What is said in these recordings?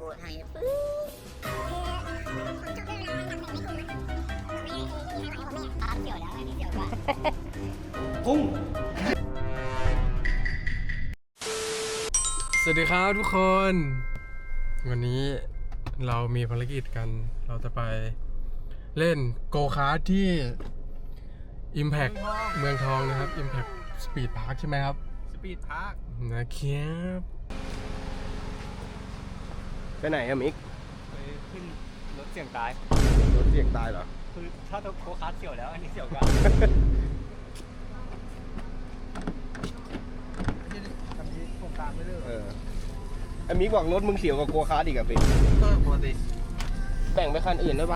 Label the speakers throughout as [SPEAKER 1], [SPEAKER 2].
[SPEAKER 1] กูทางนี้ปึ๊บเกี่ยวแล้วอันนี้เกี่ยวกว่า
[SPEAKER 2] พุ่ง
[SPEAKER 3] สวัสดีครับทุกคน วันนี้เรามีภารกิจกันเราจะไปเล่นโกคาร์ทที่ Impact เมืองทองนะครับ Impact Speed Park ใช่ไหมครับ
[SPEAKER 2] Speed Park
[SPEAKER 3] นะครับ
[SPEAKER 2] ไปไหนอะมิก
[SPEAKER 4] ไปขึ้นรถเสี่ยงตาย
[SPEAKER 2] รถเสี่ยงตายเหรอ
[SPEAKER 4] คือถ้าโคคาร์ทเสี่ยวแล้วอันนี้เสี่ยวกว่าผมตามไม่เลิก
[SPEAKER 2] ไอ้มิกบอกรถมึงเสี่ยวกับโกคาร์ทอีกอะพี่
[SPEAKER 4] ปกติ
[SPEAKER 2] แบ่งไปคันอื่นได้ปะ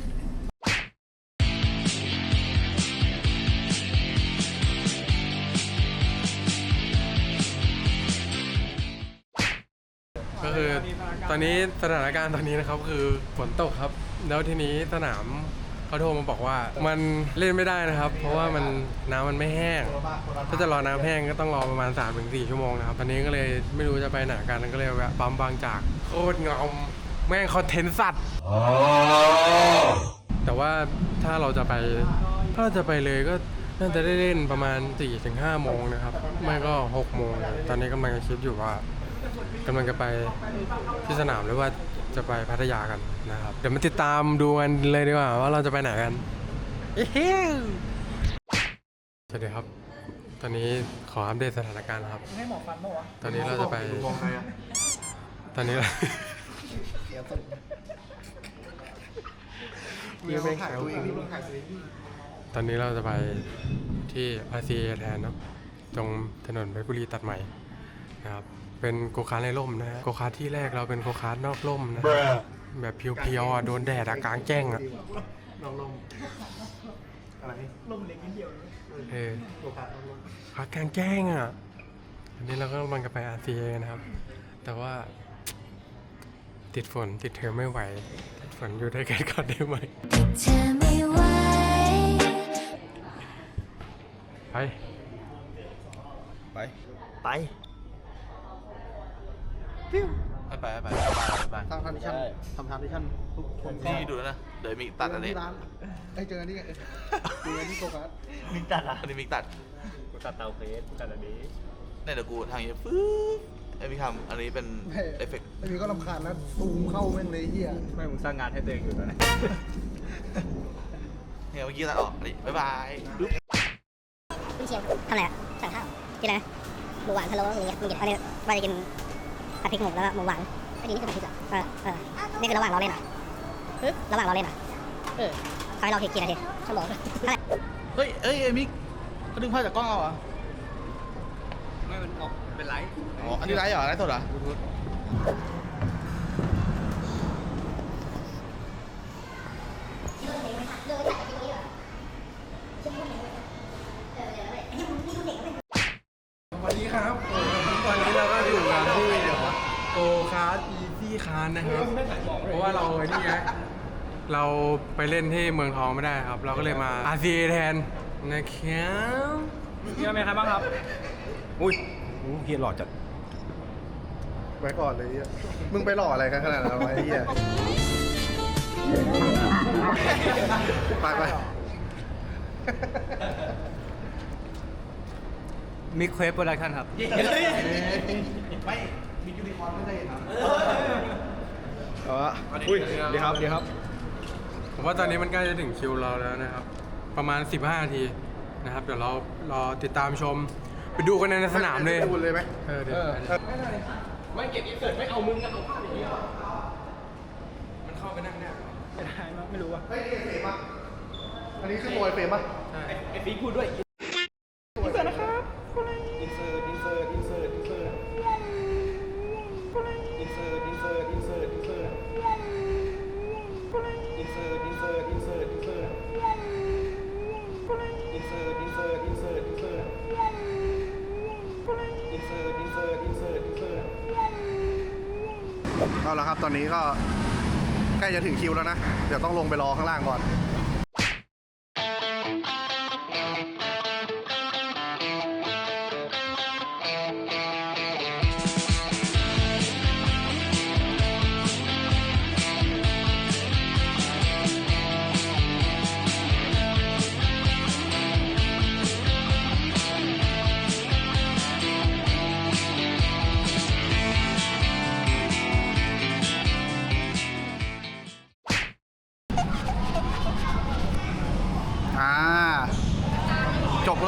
[SPEAKER 3] ก็คือตอนนี้สถานการณ์ตอนนี้นะครับคือฝนตกครับแล้วทีนี้สนามเขาโทรมาบอกว่ามันเล่นไม่ได้นะครับเพราะว่าน้ำมันไม่แห้งถ้าจะรอน้ำแห้งก็ต้องรอประมาณ 3-4 ชั่วโมงนะครับตอนนี้ก็เลยไม่รู้จะไปไหนกันก็เลยแวะปั๊มบางจากโคตรงอมแม่งคอนเทนต์สัตว์แต่ว่าถ้าเราจะไปเลยก็น่าจะได้เล่นประมาณ 4-5 โมงนะครับไม่ก็ 6 โมงตอนนี้กำลังคิดอยู่ว่ากำลังจะไปที่สนามหรือว่าจะไปพัทยากันนะครับเดี๋ยวมาติดตามดูกันเลยดีกว่าว่าเราจะไปไหนกันสวัสดีครับตอนนี้ขออัปเดตสถานการณ์ครับให้หมอฟันมั้งวะตอนนี้เราจะไปตอนนี้เราตอนนี้เราจะไปที่ RCA แทนเนาะตรงถนนเพชรบุรีตัดใหม่นะครับเป็นโกคาร์ทในร่มนะฮะโกคาร์ทที่แรกเราเป็นโกคาร์ทนอกร่มนะแบบเพียวๆโดนแดดกลางแจ้งนอกร่มอะไรร่มเล็กนิดเดียวโกคาร์ทกลางแจ้งอันนี้เราก็กำลังจะไป RCA นะครับแต่ว่าติดฝนติดเทอมไม่ไหวติดฝนอยู่ได้แค่ก่อนได้ไหม
[SPEAKER 2] ไป
[SPEAKER 4] ไป
[SPEAKER 2] ทำทานดิชั่นทุกคน
[SPEAKER 4] นี่ดูนะเดี๋ยวมิกตัดอันนี้
[SPEAKER 2] เจอกันที่โกคาร์ท
[SPEAKER 4] มิกตัดอันนี้มิกตัดกูตัดเตาเฟสตัดอันนี้เนี่ยเดี๋ยวกูทางนี้ปึ๊บไอ้มิกทำอันนี้เป็นเอฟเฟกต์
[SPEAKER 2] ไอ้มิกก็รำคาญนะตูมเข้าแม่งเลยเฮีย
[SPEAKER 4] ไม่มึงสร้างงานให้ตัวเองอยู่ตอนนี้เนี่ยเมื่อกี้ตัดออกนี่บ๊ายบาย
[SPEAKER 1] คุณเชียงทำอะไรอ่ะสั่งข้าวกินอะไรหมูหวานพะโล้อะไรเงี้ยมึงกินอะไรว่าจะกินผัดพริกหมูแล้วก็หมูหวานไอ้นี่คือผัดพริกเหรอนี่คือระหว่างเราเล่นเหรอระหว่างเราเล่นเหรอเขาให้เรากี่นาทีชั่วโมง
[SPEAKER 4] เฮ้ยไอ้มิกเขาดึงภาพจากกล้องเอาเหรอ
[SPEAKER 3] ไม่มันออกเป็นไลฟ์
[SPEAKER 4] อ๋ออันนี้ไลฟ์เหรอไลฟ์สดเหรอ
[SPEAKER 3] วันนี้ครับตอนนี้เราก็อยู่กันที่โกคาร์ทอีซี่คาร์นะครับเพราะว่าเรานี่ไงเราไปเล่นที่เมืองทองไม่ได้ครับเราก็เลยมา RCA แทนนะครับ
[SPEAKER 4] มีอะไรครับบ้างครับ
[SPEAKER 2] อุ้ยเฮียหล่อจัดไว้ก่อนเลยเฮียมึงไปหล่ออะไรกันขนาดนั้นวะเฮียไป
[SPEAKER 4] มิกเควฟโปรดักชั่นครับ
[SPEAKER 2] ไม่มียูนิคอร์นไม่ได้ครับอุ้ยดีครับ
[SPEAKER 3] ผมว่าตอนนี้มันใกล้จะถึงคิวเราแล้วนะครับประมาณ15 นาทีนะครับเดี๋ยวเรารอติดตามชมไปดูกันในสนามเลย
[SPEAKER 2] ดูเลยไหม
[SPEAKER 3] เดี๋ยวไม่เก็บอินเสิร์ตไม่เอามึงเอาภาพอย่างนี้มันเข้าไปนั่งเนี่ย
[SPEAKER 4] ไม่ได้ไม่รู้ว่า
[SPEAKER 2] เฮ้ยนี่เฟรมป่ะอันนี้คือโมยเฟรมป่ะ
[SPEAKER 3] ใช่
[SPEAKER 4] ไอ้ฟีพูดด้วยอินเสิร์ตนะครับอินเสิร์ต
[SPEAKER 2] เอาละครับตอนนี้ก็ใกล้จะถึงคิวแล้วนะเดี๋ยวต้องลงไปรอข้างล่างก่อน
[SPEAKER 5] เ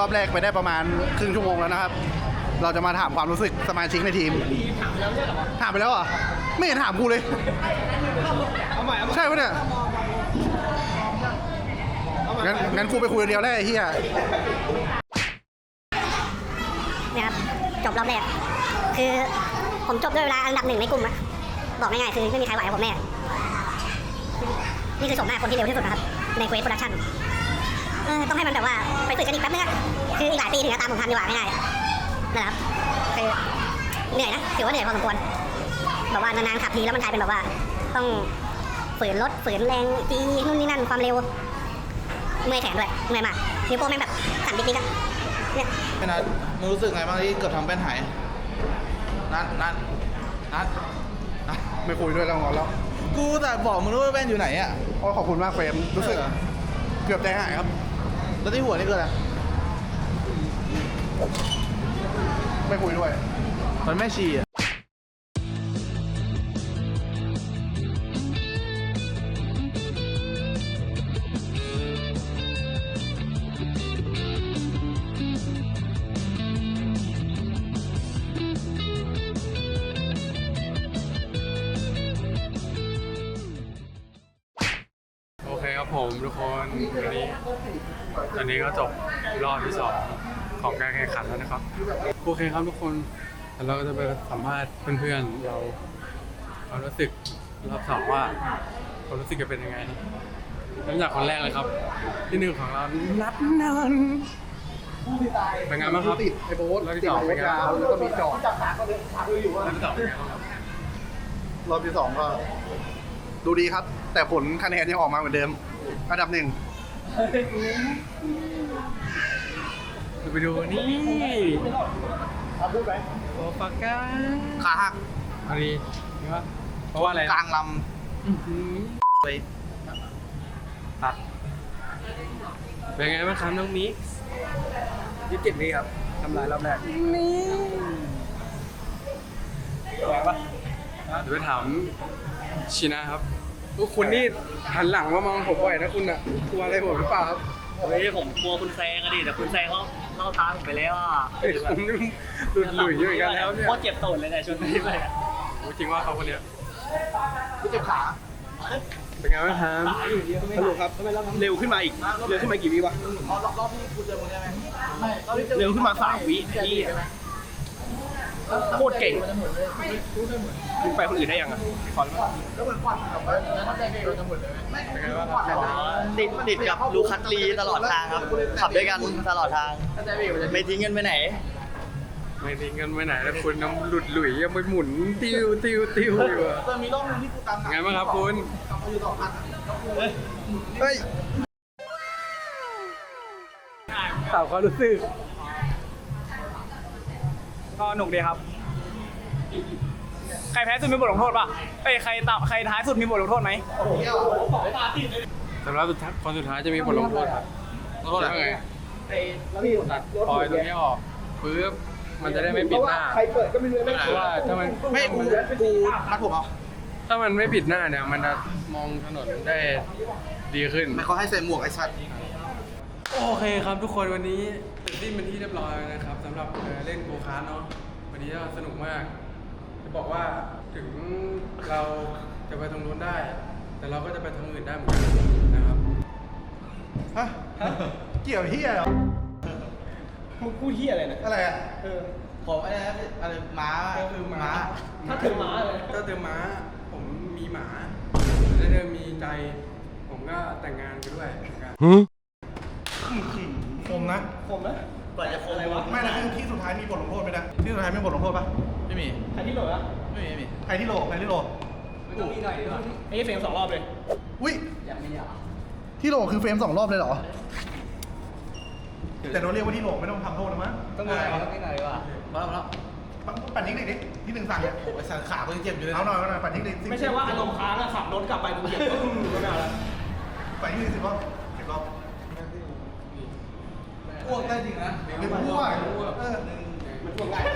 [SPEAKER 2] อบแรกไปได้ประมาณครึ่งชั่วโมงแล้วนะครับ เราจะมาถามความรู้สึกสมาชิกในทีมถามไปแล้วเหรอไม่เห็นถามกูเลยใช่ปะเนี่ยงั้นกูไปคุยคนเดียวได้ไอ้เหี้ย
[SPEAKER 1] เนี่ยครับจบรอบแรกคือผมจบด้วยเวลาอันดับ 1ในกลุ่มอะบอกง่ายๆคือไม่มีใครไหวกับผมแน่นี่คือชมหน้าคนที่เร็วที่สุดนะครับในเควสโปรดักชั่นต้องให้มันแบบว่าไปฝึกกันอีกแป๊บนึงอะคืออีกหลายปีถึงจะตามผมทันดีกว่าง่ายๆนะครับคือเหนื่อยนะถือว่าเหนื่อยพอสมควรแบบว่านานๆขับทีแล้วมันกลายเป็นแบบว่าต้องฝืนรถฝืนแรงจีนู่นนี่นั่นความเร็วเมื่อยแขนด้วยเมื่อยมากนิ้วโป้งแม่งแบบสั่นดิ๊กๆอะเนี่ย
[SPEAKER 4] พี่นัทมึงรู้สึกไงบ้างที่เกือบทำแป้นหายนัท
[SPEAKER 2] ไม่คุยด้วยแล้วงอนแล้ว
[SPEAKER 4] กูแต่บอกมึงว่าแป้นอยู่ไหนอ่ะ
[SPEAKER 2] ขอบคุณมากเฟรมรู้สึกเกือบใจหายครับ
[SPEAKER 4] แล้วที่หัวนี่คืออะไร
[SPEAKER 2] ไม่คุยด้วย
[SPEAKER 4] มันแม่ชีอ่ะ
[SPEAKER 3] โอเคครับผมทุกคนตอนนี้ก็จบรอบที่2ของการแข่งขันแล้วนะครับโอเคครับทุกคนเราก็จะไปสัมภาษณ์เพื่อนๆเราความรู้สึกรอบ2ว่าความรู้สึกจะเป็นยังไงเริ่มจากคนแรกเลยครับที่1ของเรานัดนนท์เป็นไงบ้างครับ
[SPEAKER 2] ติดไอ้โบ๊ท
[SPEAKER 3] รอบที่สองเป็นไง
[SPEAKER 2] ยาวแล้วก็มีจอด
[SPEAKER 3] รอบที่2เป็นไงบ้างครับ
[SPEAKER 2] รอบที่ 2ก็ดูดีครับ แต่ผลคะแนนยังออกมาเหมือนเดิมอันดับ 1
[SPEAKER 3] ไปดูนี่พูดไปโอปาก้า
[SPEAKER 4] ขาหัก
[SPEAKER 3] อันนี้นี่ว่าเพราะว่าอะไร
[SPEAKER 4] กลางล
[SPEAKER 3] ไปตัดเป็นไงบ้างครับน้องมิกซ์27วิครับทำลายรอบแรกนี่แรงปะเดี๋ยวไปถามชินะครับคุณนี่หันหลังมามองผมบ่อยนะคุณอะกลัวอะไรผมหรือเปล่าครับ
[SPEAKER 5] เฮ้ยผมกลัวคุณแซงอะดิแต่คุณแซงเขาเล่าทางผมไปแล้วอ่ะ
[SPEAKER 3] ผมนี่หลุดหลุยอยู่เหมือนกันแล้วเนี่ย
[SPEAKER 5] โคตรเจ็บตูดเลยเนี่ยชนนี้ไปอะ
[SPEAKER 3] โอ้จริงว่าเขาคนเนี้ย
[SPEAKER 4] ำกูเจ็บขา
[SPEAKER 3] เป็นไงบ้างครับ
[SPEAKER 5] สรุปครับเร็วขึ้นมาอีกเร็วขึ้นมากี่วิวะ
[SPEAKER 4] รอบที่กูเจอมึงได้ไหมไม่รอบที่เจอ
[SPEAKER 5] เร็วขึ้นมา3 วิพี่โคตรเก่งมึงไปคนอื่นได้ยังอ่ะขอเลย
[SPEAKER 4] แล้วเหมือนควันกับแล้วถ้าใจเบรกเราจะหมดเลยไหม
[SPEAKER 3] เป็นไงบ้างครับ
[SPEAKER 5] ติดกับลูคัตลีตลอดทางครับขับด้วยกันตลอดทาง
[SPEAKER 4] ถ้าใจเบรกมันจะ
[SPEAKER 5] ไม่ทิ้งกันไปไหน
[SPEAKER 3] ไม่ทิ้งกันไปไหนแล้วคุณน้ำหลุดหลุยยังไปหมุนติ้วอยู่อะ
[SPEAKER 4] จะมีรอบนึงที่กูตามหลั
[SPEAKER 3] ไงบ้างครับคุณ
[SPEAKER 4] กลับมาอยู่ต่อพัน
[SPEAKER 2] เฮ้ย
[SPEAKER 3] ถามความรู้สึก
[SPEAKER 5] ก็หนุกดีครับ ใครแพ้สุดมีบทลงโทษป่ะเอ้ยใครท้ายสุดมีบทลงโทษไหม
[SPEAKER 3] สำหรับคนสุดท้ายจะมีบทลงโทษครับ
[SPEAKER 4] แล้วก็
[SPEAKER 3] แล้วไงตัดปล่อยตรงนี้ออกปึ๊บมันจะได้ไม่ปิดหน้าเพราะว่าถ้ามัน
[SPEAKER 4] ไม่กูนัดผมเอา
[SPEAKER 3] ถ้ามันไม่ปิดหน้าเนี่ยมันจะมองถนนได้ดีขึ้น
[SPEAKER 4] ไม่เขาให้ใส่หมวกไอ้สัตว์
[SPEAKER 3] โอเคครับทุกคนวันนี้เสร็จสิ้นเป็นที่เรียบร้อยแล้วนะครับสำหรับเล่นโกคาร์ทเนาะวันนี้ก็สนุกมากจะบอกว่าถึงเราจะไปตรงนู้นได้ แต่เราก็จะไปทางอื่นได้เหมือนกันนะครับ
[SPEAKER 2] ฮะเกี่ยวเฮียเหรอ
[SPEAKER 5] มึงพูดเหี้ยอะไรนะ
[SPEAKER 2] อะไรอ่ะ
[SPEAKER 4] ผมอะไรม้า
[SPEAKER 3] ก็คือม้า
[SPEAKER 5] ถ้าเธอม้าเลย
[SPEAKER 3] ถ้าเธอม้าผมมีหมาถ้าเธอมีใจ ผมก็แต่งงานไปด้วยเหมือนกัน
[SPEAKER 2] คมนะ
[SPEAKER 5] คมนะกว่าจะคมอะไรวะ
[SPEAKER 2] ไม่นะที่สุดท้ายมีบทลงโทษไหมนะที่สุดท้ายมีบทลงโทษปะ
[SPEAKER 4] ไม่มี
[SPEAKER 5] ใครที่โหลดอะ
[SPEAKER 4] ไม่มี
[SPEAKER 2] ใครที่โหลใครที่โหล
[SPEAKER 5] ไม่ต้องมีหน่อยดีกว่าไอ้เฟรม2 รอบเลย
[SPEAKER 2] อุ้ย
[SPEAKER 5] อยากมีอ่ะ
[SPEAKER 2] ที่โหลคือเฟรม2 รอบเลยเหรอ แต่เราเรียกว่าที่โหลไม่ต้องทำโทษนะมั้ง
[SPEAKER 5] ต้องมีหน่อยต้องมีหน่อยดีกว่า
[SPEAKER 4] มาแล้ว
[SPEAKER 2] ปั่นนิดหนึ่งดิที่1สั่งเนี่ย
[SPEAKER 4] ไอ้สัตว์ขากูยังเจ็บอยู่เลย
[SPEAKER 2] เอาหน่อยปั่นนิดหนึ่ง
[SPEAKER 5] ไม่ใช่ว่าอารมณ์ค้างอะขับรถกลับไปมึงเหยียบก็ไม่เอาแล้ว
[SPEAKER 2] ปั่นนิดหนึ่ง10 รอบ10 รอบ
[SPEAKER 4] อ้วกได้จริงนะ
[SPEAKER 2] เป็นพวกเออ
[SPEAKER 5] มันช่วงง่าย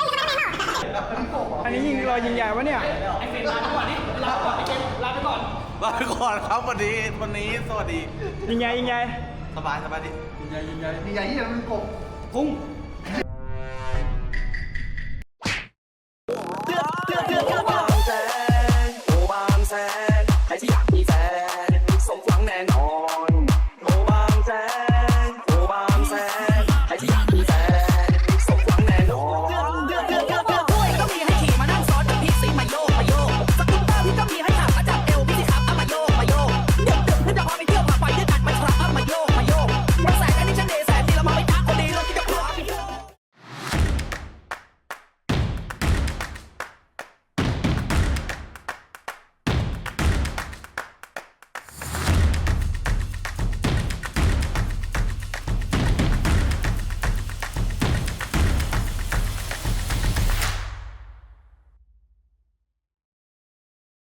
[SPEAKER 5] อันนี้ยิงรอยยิงใหญ่วะเนี่ย ไอ้เฟรมลาไปก่อนนี่ลาไปก่อนไอ้เกมลาไปก่อน
[SPEAKER 4] ลาไปก่อนครับวันนี้สวัสดี
[SPEAKER 5] ยิงไง
[SPEAKER 4] สบายดิ
[SPEAKER 2] มีใหญ่ที่มันกบ
[SPEAKER 5] พุ่ง